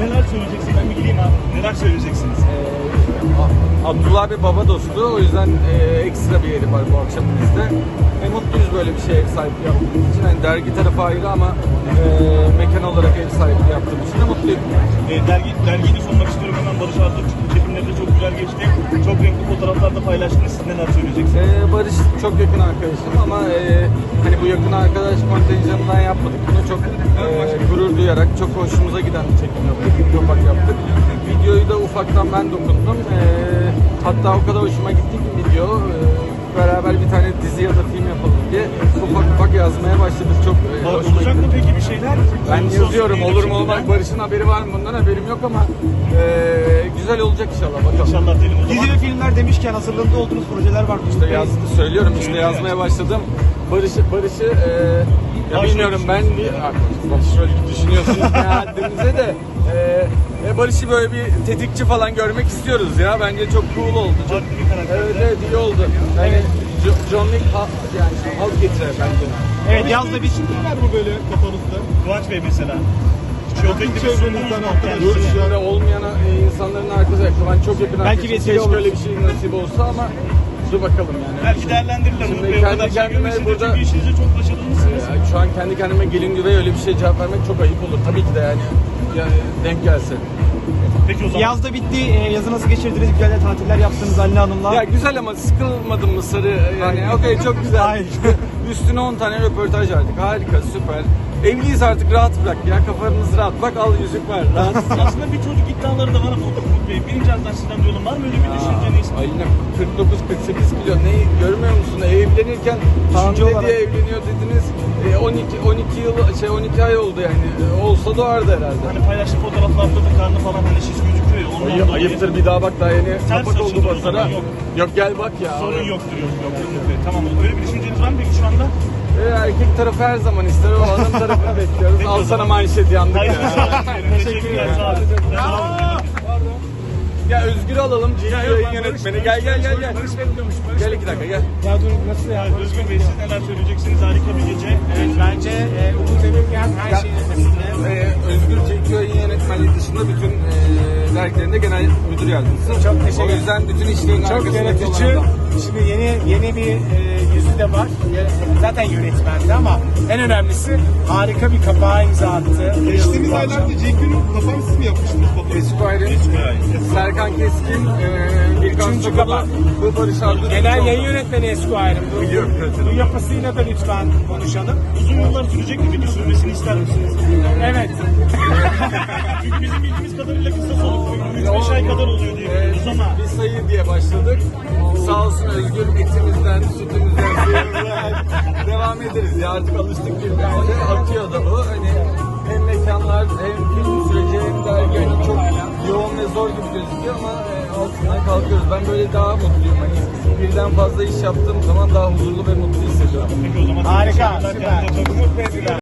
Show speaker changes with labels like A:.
A: Neler söyleyeceksin? Ben bir gideyim abi. Neler söyleyeceksiniz?
B: Abdullah abi baba dostu. O yüzden ekstra bir yeri var bu akşam bizde. Mutluyuz böyle bir şeye sahip yaptığımız için. Yani dergi tarafı ayrı ama mekan olarak ev sahipliği yaptığım için de mutluyum.
A: Dergiyi de sunmak istiyorum hemen. Barış Arduç çekimleri de çok güzel geçti. Çok renkli fotoğraflar da paylaştınız. Siz neler söyleyeceksiniz?
B: Barış çok yakın arkadaşım ama hani bu yakın arkadaş kontenjanından yapmadık. Bunu çok gurur duyarak, çok hoşumuza giden bir çekim yaptık. Video ufak yaptık. Videoyu da ufaktan ben dokundum. Hatta o kadar hoşuma gitti ki video. Beraber bir tane dizi ya da film yapalım diye ufak yazmaya başladık. Çok hoşuma
A: Olacak
B: gitti.
A: mı peki bir şeyler?
B: Ben yazıyorum. Olur mu olmaz. Barış'ın haberi var mı? Bundan haberim yok ama güzel olacak inşallah. Bakalım.
A: İnşallah diyelim o zaman.
C: Dizi ve filmler demişken hazırlığında olduğunuz projeler var mı?
B: İşte söylüyorum işte yazmaya başladım. Barış'ı ya bilmiyorum ben şöyle düşünüyorsunuz kendinize de Barış'ı böyle bir tetikçi falan görmek istiyoruz ya. Bence çok cool oldu. Çok,
A: Farklı bir karakter.
B: evet iyi oldu. Yani John Wick yani halk getirir bence.
C: Evet yazda bir
D: var mı böyle kafanızda?
A: Kıvanç Bey mesela. Çok
D: çevrenizden arkadaşlar.
B: Görüşünde olmayan insanların arkadaşı. Ben çok yakın
C: Belki
B: arkadaşım.
C: bir vesile
B: Keşke
C: olur.
B: öyle bir şey nasip olsa ama dur bakalım yani.
A: Belki değerlendirirler.
B: Şimdi
A: Umut Bey, o
B: kendi
A: kadar şey
B: kendime
A: görmüşsünüz.
B: burada-
A: Çünkü işinizde çok başarılısınız.
B: Şu an kendi kendime gelin güvey öyle bir şey cevap vermek çok ayıp olur. Tabii ki de yani denk gelse.
A: Peki o zaman.
C: yazda bitti. Yazı nasıl geçirdiniz? Güzel de tatiller yaptınız Anne Hanım'la.
B: Ya güzel ama sıkılmadın mı sarı? Yani okey çok güzel.
C: Hayır.
B: Üstüne 10 tane röportaj verdik. Harika, süper. Evliyiz artık rahat bırak ya. Kafanız rahat. Bak al yüzük var. Rahat.
A: Aslında bir çocuk iddiaları da var ama Umut Bey. Birinci ağızdan sizden duyalım. Var mı öyle bir düşünceniz?
B: Aynen 49-48 kilo. Ne görmüyor musun? Evlenirken hamile
C: olarak.
B: diye evleniyor dediniz. 12 ay oldu yani. Olsa doğardı herhalde.
A: Hani paylaştığı fotoğraflarda da karnı falan hani şiş gözüküyor ya. Ondan dolayı
B: Ayıptır bir daha bak daha yeni kapak oldu
A: açıldı o
B: basara.
A: zaman, yok.
B: Yok gel bak ya.
A: sorun yoktur yok. Umut Bey. Tamam. Öyle bir düşünceniz var mı peki şu anda?
B: Erkek tarafı her zaman ister. O adam tarafını bekliyoruz.
A: Peki o
B: Al sana
A: zaman.
B: manşet yandık
A: Hayır.
B: ya.
A: Teşekkürler. Sağ olun. Sağ olun.
B: Ya Özgür'ü alalım. Yayın yönetmeni. Gel. Gel 2 dakika gel.
C: Ya dur nasıl ya?
A: Özgür Bey siz neler söyleyeceksiniz? Harika bir gece.
C: Bence Umut Emirgen her şeyin ötesinde.
B: Özgür Çekiyor yayın yönetmenliği dışında bütün dergilerinde genel müdür yardımcısı.
C: Çok teşekkür
B: O yüzden bütün işlerin
C: Çok
B: arkasındaki
C: yönetici.
B: olan adam.
C: Şimdi yeni bir yüzü de var. Zaten yönetmendi ama en önemlisi harika bir kapağa imza attı.
D: Geçtiğimiz aylarda Cenk'in kafanı siz mi yapmıştınız fotoğrafı?
B: Esquire'in, Serkan Keskin, Birkan
C: Üçüncü
B: Sokalı,
C: kapak.
B: bu Barış Arduç.
C: Genel yayın yönetmeni Esquire'ın.
B: Biliyorum.
C: Bu yapısıyla da lütfen konuşalım.
A: Uzun yıllar sürecek mi peki? Sürmesini ister misiniz?
C: Evet.
A: Çünkü bizim bildiğimiz kadarıyla kısa soluklu. 3-5 ay kadar oluyor diye biliyoruz ama.
B: Bir sayı diye başladık. Sağ olsun Özgür etimizden, sütümüzden, suyumuzdan devam ederiz ya artık alıştık birbirimize. Atıyor da bu. Hani hem mekanlar hem film süreci hem dergi hani çok yoğun ve zor gibi gözüküyor ama altından kalkıyoruz. Ben böyle daha mutluyum. Hani birden fazla iş yaptığım zaman daha huzurlu ve mutlu hissediyorum.
A: Peki o zaman.
C: Harika.
A: Teşekkürler.
C: Süper.
A: Kendinize çok-
C: Umut Bey.